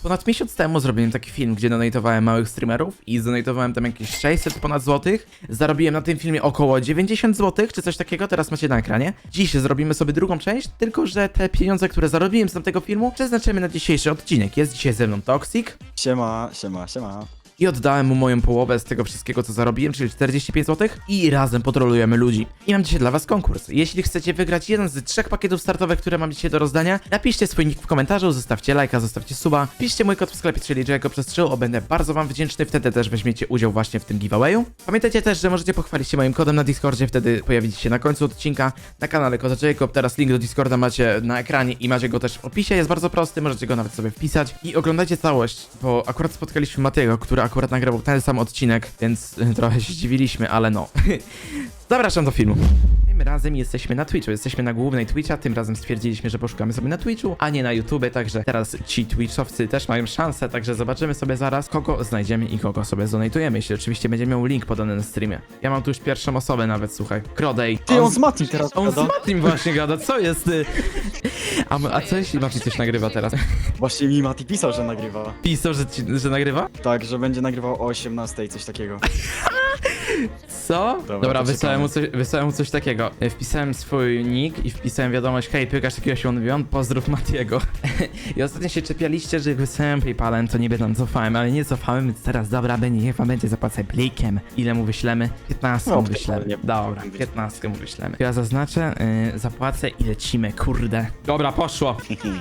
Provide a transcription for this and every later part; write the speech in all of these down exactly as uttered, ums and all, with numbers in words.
Ponad miesiąc temu zrobiłem taki film, gdzie donatowałem małych streamerów i zdonatowałem tam jakieś sześćset ponad złotych. Zarobiłem na tym filmie około dziewięćdziesiąt złotych, czy coś takiego, teraz macie na ekranie. Dziś zrobimy sobie drugą część, tylko że te pieniądze, które zarobiłem z tamtego filmu, przeznaczymy na dzisiejszy odcinek. Jest dzisiaj ze mną Toxic. Siema, siema, siema. I oddałem mu moją połowę z tego wszystkiego, co zarobiłem, czyli czterdzieści pięć złotych i razem potrolujemy ludzi. I mam dzisiaj dla was konkurs. Jeśli chcecie wygrać jeden z trzech pakietów startowych, które mam dzisiaj do rozdania, napiszcie swój nick w komentarzu, zostawcie lajka, zostawcie suba, piszcie mój kod w sklepie, czyli Jacob przez trzy, będę bardzo wam wdzięczny, wtedy też weźmiecie udział właśnie w tym giveawayu. Pamiętajcie też, że możecie pochwalić się moim kodem na Discordzie, wtedy pojawicie się na końcu odcinka na kanale Kod Jacob. Teraz link do Discorda macie na ekranie i macie go też w opisie, jest bardzo prosty, możecie go nawet sobie wpisać. I oglądajcie całość, bo akurat spotkaliśmy Matiego, który akurat nagrywał ten sam odcinek, więc y, trochę się zdziwiliśmy, ale no. Zapraszam do filmu. Tym razem jesteśmy na Twitchu, jesteśmy na głównej Twitcha, tym razem stwierdziliśmy, że poszukamy sobie na Twitchu, a nie na YouTube, także teraz ci Twitchowcy też mają szansę, także zobaczymy sobie zaraz, kogo znajdziemy i kogo sobie zonajtujemy, jeśli oczywiście będzie miał link podany na streamie. Ja mam tu już pierwszą osobę nawet, słuchaj, Krodej. Ty, on z Matim teraz On z gada. Matim właśnie gada, co jest ty? A, a co jeśli Mati coś nagrywa teraz? Właśnie mi Mati pisał, że nagrywa. Pisał, że, ci, że nagrywa? Tak, że będzie nagrywał o osiemnastej, coś takiego. Co? Dobra, Dobra, to wysłałem mu, czekamy. coś, wysłałem mu coś takiego. E, Wpisałem swój nick i wpisałem wiadomość: hej, pykasz jakiegoś on pozdrów Matiego. I ostatnio się czepialiście, że jak wysłałem PayPalem, to niby tam cofałem, ale nie cofałem, więc teraz dobra, będzie, niech wam będzie, zapłacę plikiem. Ile mu wyślemy? piętnaście No, mu wyślemy. nie- Dobra, piętnaście mu wyślemy. Ja zaznaczę, y, zapłacę i lecimy, kurde. Dobra, poszło.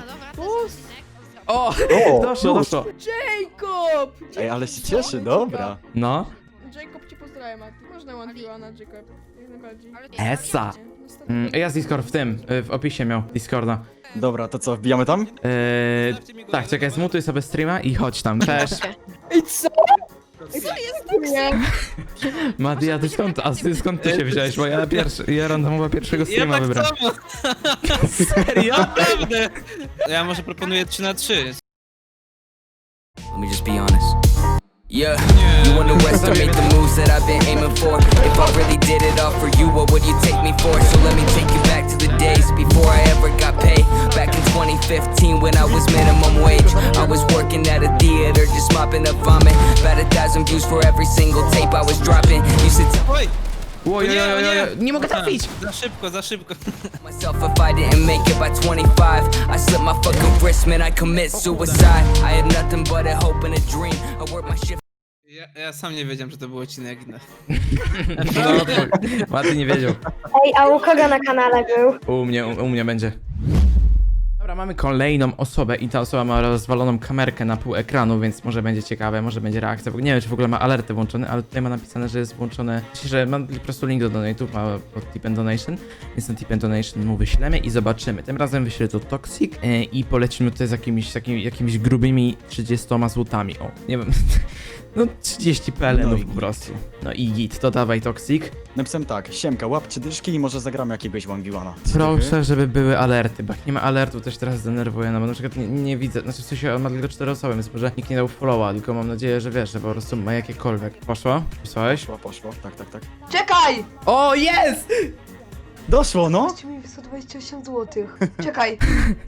O, O, doszło, już. doszło. Jacob! Ej, ale się cieszy, dobra. No, Jacob cię pozdrawiam, a ty można one na Jacob. Jak najbardziej. Esa. Mm, ja z Discord w tym, y, w opisie miał Discorda. Dobra, to co, wbijamy tam? Eee, tak, czekaj, zmutuj sobie streama i chodź tam. Cześć. Ej, co? Ej, co jest nie? Mati, a ty skąd, a ty skąd ty się wziąłeś? Bo ja pierwszy, ja randomowo pierwszego Ja streama tak wybrałem. samo, Serio? naprawdę! Ja może proponuję trzy na trzy. Let me just be honest. Yeah, you on the west, I made the moves that I've been aiming for. If I really did it all for you, what would you take me for? So let me take you back to the days before I ever got paid. Back in twenty fifteen when I was minimum wage, I was working at a theater, just mopping up vomit. About a thousand views for every single tape I was dropping. Used to tell Oj! Oj, oj, oj, oj, oj, nie mogę Aha, trafić! Za szybko, za szybko. myself if I didn't make it by twenty-five. I slit my fucking wrist, man, I commit suicide. I had nothing but a hope and a dream. I worked my shift. Ja, ja sam nie wiedziałem, że to był odcinek. No. No, Mati nie wiedział. Ej, a u kogo na kanale był? U mnie, u, u mnie będzie. Dobra, mamy kolejną osobę i ta osoba ma rozwaloną kamerkę na pół ekranu, więc może będzie ciekawe, może będzie reakcja. Bo nie wiem, czy w ogóle ma alerty włączone, ale tutaj ma napisane, że jest włączone, że mam po prostu link do donate'ów, ma pod tip and donation, więc ten tip and donation mu wyślemy i zobaczymy. Tym razem wyślę to Toxic e, i polecimy tutaj z jakimiś, jakimi, jakimiś grubymi trzydziestoma złotami. O, nie wiem, no trzydzieści pelenów No i po git. prostu. No i git, to dawaj Toxic. Napisałem tak, siemka, łap trzy dyszki i może zagramy jakiegoś one v one. Proszę, żeby były alerty, bo jak nie ma alertu, też teraz zdenerwuję, no bo na przykład nie, nie widzę, znaczy w sensie on ma tylko cztery osoby, więc może nikt nie dał followa, tylko mam nadzieję, że wiesz, że po prostu ma jakiekolwiek. Poszło? Wysłałeś? Poszło, poszło, tak, tak, tak. Czekaj! O, jest! Doszło, no! Dajcie mi sto dwadzieścia osiem złotych. Czekaj.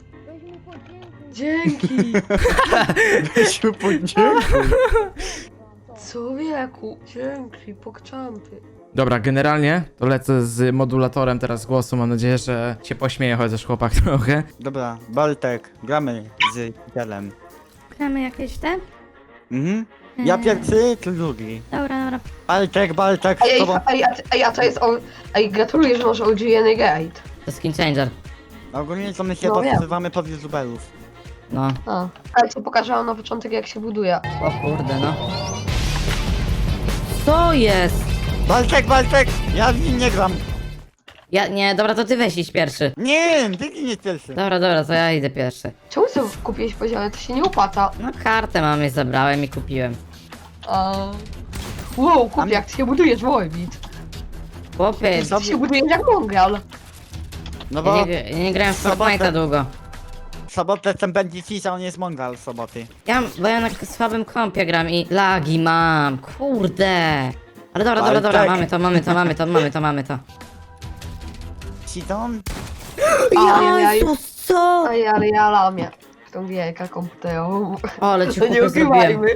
Dzięki. Weź mu podziękuj. Człowieku. Dzięki, pokczampy. Dobra, generalnie to lecę z modulatorem teraz głosu, mam nadzieję, że się pośmieje chociaż chłopak trochę. Dobra, Baltek, gramy z Hitelem. Gramy jakieś te? Mhm. Ja Eee. pierwszy, ty drugi. Dobra, dobra. Baltek, Baltek, z Ej, ej, tobą. ej, a, ej, a to jest on. Ej, gratuluję, że masz O G N Gate. To skin changer. Ogólnie to my się No wiem. podsuwamy pod youtuberów. No. A. Ale co pokażę wam na początek, jak się buduje. O kurde, no. Co jest? Baltek, Baltek! Ja w nim nie gram. Ja, nie, dobra, to ty weź iść pierwszy. Nie, ty nie pierwszy. Dobra, dobra, to ja idę pierwszy. Czemu sobie kupiłeś poziomie? To się nie opłaca. No kartę mamy, zabrałem i kupiłem. A... Wow, kupię, jak ty się budujesz, Wojbit. Chłopie, Ty się budujesz jak mongrel. No ja bo nie, ja nie grałem w Sobotę. Fortnite'a długo. w sobotę ten będzie cisza, on jest mongal w soboty. Ja, bo ja na słabym kompie gram i lagi mam, kurde. Ale dobra, dobra, dobra, Bartek. mamy to, mamy to, mamy to, mamy to, mamy to. Citon? Ajajaj. co? Ej, ale ja lamię. w tą gierkę komputerową. O, ale ci To nie chłopie zrobiłem. ukrywajmy.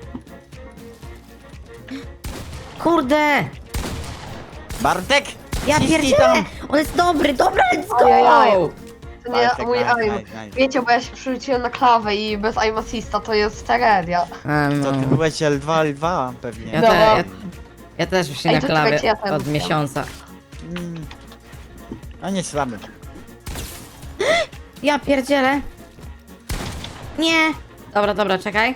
Kurde! Bartek! Ja Ciśnij pierdzielę! tam. On jest dobry, dobra, let's Ajajaj. go! To nie Bartek, mój nice, aim. nice, nice. Wiecie, bo ja się przerzuciłem na klawę i bez aim assista to jest tragedia. A, Co, no. ty byłeś L dwa, L dwa pewnie. Ja, No. te, ja, ja też się Ej, na to klawie czekajcie, ja ten od wziąłem. miesiąca. Mm. A nie słaby. Ja pierdzielę. Nie! Dobra, dobra, czekaj.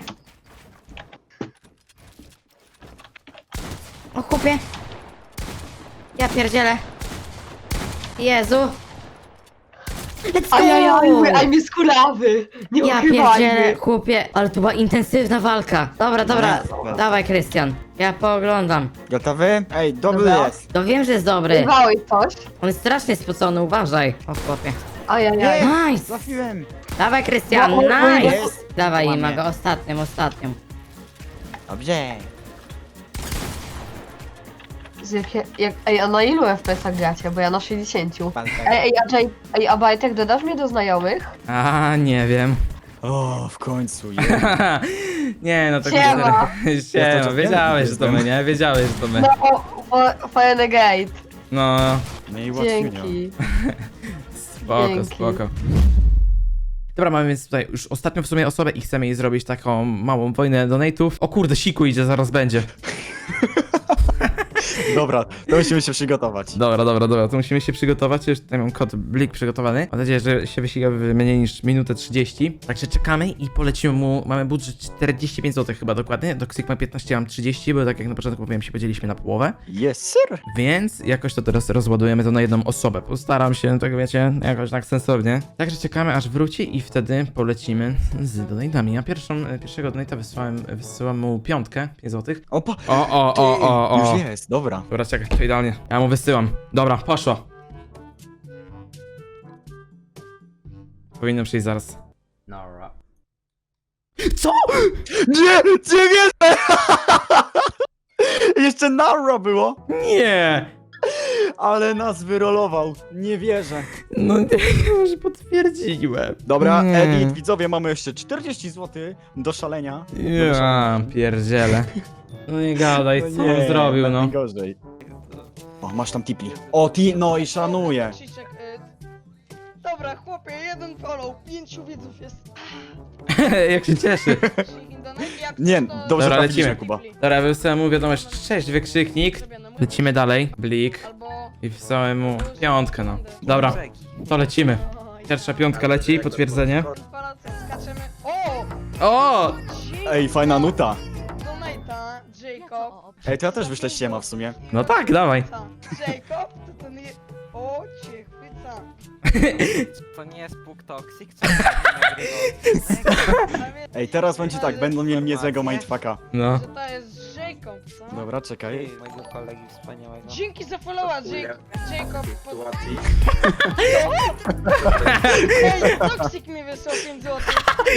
O chłopie. Ja pierdzielę. Jezu. Let's go! Ajajaj, mój aim jest kulawy. Nie Ja pierdzielę, ukrywajmy. chłopie, ale to była intensywna walka. Dobra, dobra, Dobra. dawaj Krystian. Ja pooglądam. Gotowy? Ej, dobry Dobra. jest. To wiem, że jest dobry. Ukrywałeś coś? On jest strasznie spocony, uważaj. O chłopie. Ajajaj. Nice! Trafiłem. Dawaj Krystian, No, o, o, nice! jest. Dawaj Łamie. Imago, ostatnią, ostatnią. Dobrze. Z jakie, jak, ej, a na ilu F P S-ach gracie? Bo ja na sześćdziesięciu. Bartek. Ej, ej, a Jay, ej, a Bajtek, dodasz mnie do znajomych? A, nie wiem. O, w końcu. Je. Nie, no to Siema. Siema, Ja to wiedziałeś, że to my, jestem. nie? Wiedziałeś, że to my. No, o, Fire Gate. No, No i ułatwienia. Dzięki. spoko, Dzięki. spoko. Dobra, mamy więc tutaj już ostatnią w sumie osobę i chcemy jej zrobić taką małą wojnę donate'ów. O kurde, siku idzie, zaraz będzie. Dobra, to musimy się przygotować. Dobra, dobra, dobra, to musimy się przygotować. Już tutaj mam kod Blik przygotowany. Mam nadzieję, że się wysiga w mniej niż minutę trzydzieści. Także czekamy i polecimy mu. Mamy budżet czterdzieści pięć złotych chyba dokładnie. Do Sigma piętnaście mam trzydzieści, bo tak jak na początku mówiłem, się podzieliliśmy na połowę. Yes, sir. Więc jakoś to teraz rozładujemy to na jedną osobę. Postaram się, tak wiecie, jakoś tak sensownie. Także czekamy aż wróci i wtedy polecimy z donate'ami. Ja pierwszą, pierwszego donate'a wysłałem, wysyłam mu piątkę, pięć złotych. Opa. O, o, o, o, o. Już jest, dobra. Dobra, czekaj, to idealnie. Ja mu wysyłam. Dobra, poszło. Powinno przyjść zaraz. Co? Nie, nie wierzę! Jeszcze Narra było, Nie! ale nas wyrolował. Nie wierzę. No nie, już potwierdziłem. Dobra, Nie. edit, widzowie, mamy jeszcze czterdzieści złotych do szalenia. Ja pierdzielę. No nie gadaj, co on zrobił, no. Gorzej. O, masz tam tipi. O, ti, no i szanuję. Krzysiek, y... Dobra, chłopie, jeden follow, pięciu widzów jest. Jak się cieszy. Jak Nie, to- dobrze Dobra, trafiliśmy, lecimy. Kuba. Dobra, wysłałem mu wiadomość, cześć, wykrzyknik. Zrobione. Lecimy dalej, Blik. Albo... I wysłałem mu piątkę, no. Dobra, to lecimy. Pierwsza piątka leci, potwierdzenie. Palacem skaczemy. O! O! Ej, fajna nuta. Donata, Jacob. Ej, to ja też wyślę ściema w sumie. No tak, dawaj. Ta. Jacob, to ten je... O, cię chwyca. To nie jest Puk Toxic, co nagrywał? Ej, teraz będzie tak, będą mieli niezłego mindfucka. No. Że to jest Jacob, co? Dobra, czekaj. Ej, mojego kolegi wspaniałego. Dzięki za followa, Jacob. Jacob. Po... Ej, Toxic mi wysłał pięć złotych.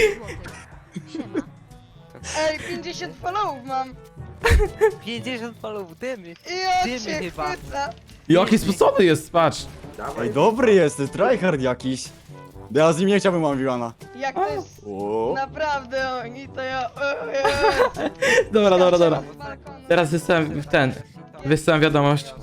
Ej, pięćdziesiąt followów mam. pięćdziesiąt followów, dymy. I ja Dymy cię chyba. chwyca. Jaki spocony jest, patrz. Ej, dobry jest, tryhard jakiś. Ja z nim nie chciałbym One Jak to jest O. naprawdę oni, to ja... o Jezu. Dobra, dobra, dobra. Skaczemy z balkonu. Teraz wysłałem w ten. Wysyłam wiadomość.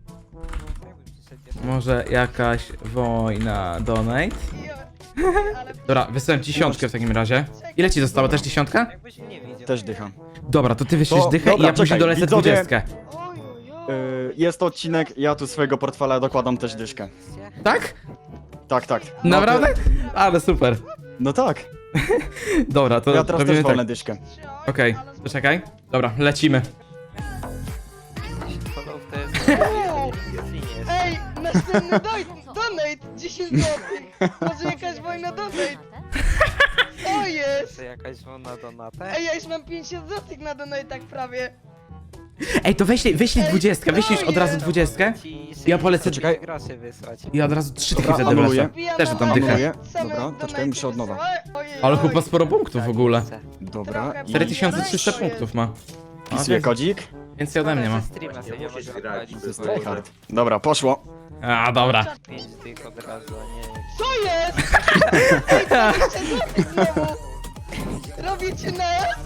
Może jakaś wojna donate? Ja- Ale Dobra, wysłałem dziesiątkę w takim razie. Ile ci zostało? Też dziesiątka? Jakbyś nie wiedział. Też dycham. Dobra, to ty wyślesz To- dychę i dobra, ja później czekaj, dolecę widzowie. dwudziestkę. oj, oj, oj. Yy, jest to odcinek, ja tu swojego portfela dokładam też dyszkę. Tak? Tak, tak. No, Naprawdę? Ale super. To, no tak. Dobra, to Ja teraz robimy też wolę tak. dyszkę. Trzy, oj, Okej, ale- to czekaj. Dobra, lecimy. pięćdziesiąt followów to jest... Wow. jest. Ej, następny doj- donate, dziesięć złotych. Może jakaś wojna donate. O jest. To jakaś wona donata? Ej, ja już mam pięćdziesiąt złotych na donatach prawie. Ej, to wyślij, wyślij Ej, dwudziestkę, wyślisz od razu ojej. dwudziestkę? Ci Ja polecę- czekaj. groszy wysłać. I od razu trzy dychy Dobra, wtedy anuluję. wlecę. Wbijam Też na dam donate, dychę. Anuluję. same Dobra, to donaty czekaj, muszę od nowa. wysyłałem. Ojej, Ale oj. chyba sporo punktów w ogóle. Dobra. Trochę I cztery tysiące Oj, trzysta oj. punktów ma. A, wpisuję więc- kodzik. Więcej ode mnie ma. Streama sobie nie musisz mogę grać, odpalić, to jest bo Tryhard. Dobra, poszło. A, dobra. pięć tych od razu, a nie... Co jest? Ej, co chcecie zrobić znowu? Robicie na S?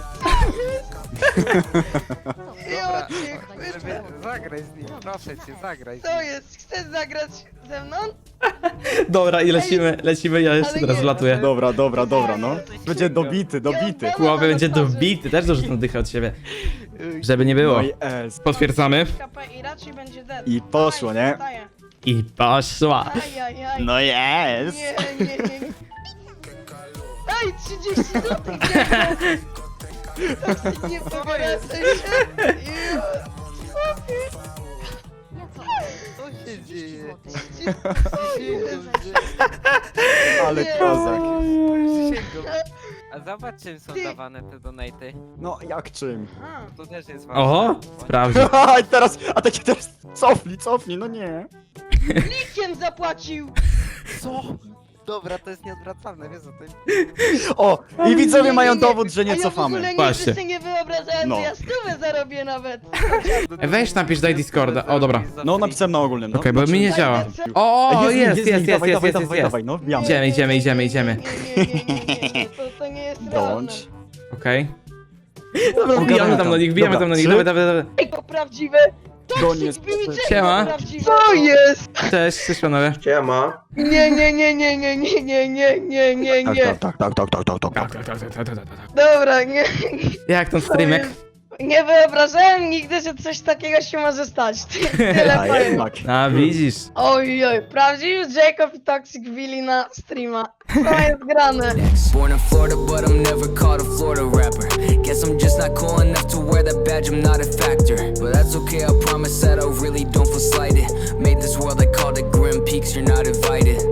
Dobra, Ja cię chwycę. żeby zagraj z nim, proszę cię, zagraj z Co nim. jest? Chcesz zagrać ze mną? Dobra, i lecimy, lecimy, ja jeszcze Ale teraz nie, wlatuję. Dobra, dobra, dobra, no. Będzie dobity, dobity. Chłopie będzie dobity, też dorzucę dychę od siebie. Żeby nie było. No i S. Potwierdzamy. K P i raczej będzie dead. I poszło, nie? Daję. I poszła. Ajajaj. No jest. Nie, nie, nie. nie. Ej, trzydzieści złotych tak nie powracaj się. Ju. Co się dzieje? O Jezu. Ale Nie. kozak. Przysięgam. A zobacz czym są Ty. dawane te donaty. No jak czym? A, To też jest ważne. Oho, sprawdź. A teraz, a takie teraz cofnij, cofnij, no nie. Likiem zapłacił. Co? Dobra, to jest nieodwracalne, wiesz o tym? O, i widzowie mają dowód, że A nie ja w cofamy. ogóle Właśnie. nigdy sobie nie wyobrażałem, No. że ja stówę zarobię nawet. Ej, weź napisz, daj Discorda. O, dobra. No napisałem na ogólnym, no. Okej, bo mi nie działa. Ej, O, o, link, jest, jest, link, jest, dawaj, jest, dawaj, jest, dawaj, jest. dawaj, no wbijamy. Idziemy, idziemy, idziemy, idziemy. Nie, nie, nie, nie, nie. To, to nie jest realne. Dołącz. Okej. Dobra, wbijamy tam do nich, wbijamy tam do nich, dawaj, dawaj, dawaj. Ej, to prawdziwe. Koniec. Siema. Co jest? Cześć, cześć panowie. Siema. Nie, nie, nie, nie, nie, nie, nie, nie, nie, nie, nie. Tak, tak, tak, tak, tak, tak, tak. Dobra, nie, Jak ten streamek? nie wyobrażałem nigdy, że coś takiego się może stać. Ty- Tyle A powiem. jednak. A, widzisz. Oj, oj, prawdziwy Jacob i Toxic wbili na streama. Co jest grane? Born in Florida, but I'm never called a Florida rapper. Guess I'm just not cool enough to wear that badge, I'm not a factor. But that's okay, I promise that I really don't feel slighted. Made this world, I called it Grim Peaks, you're not invited.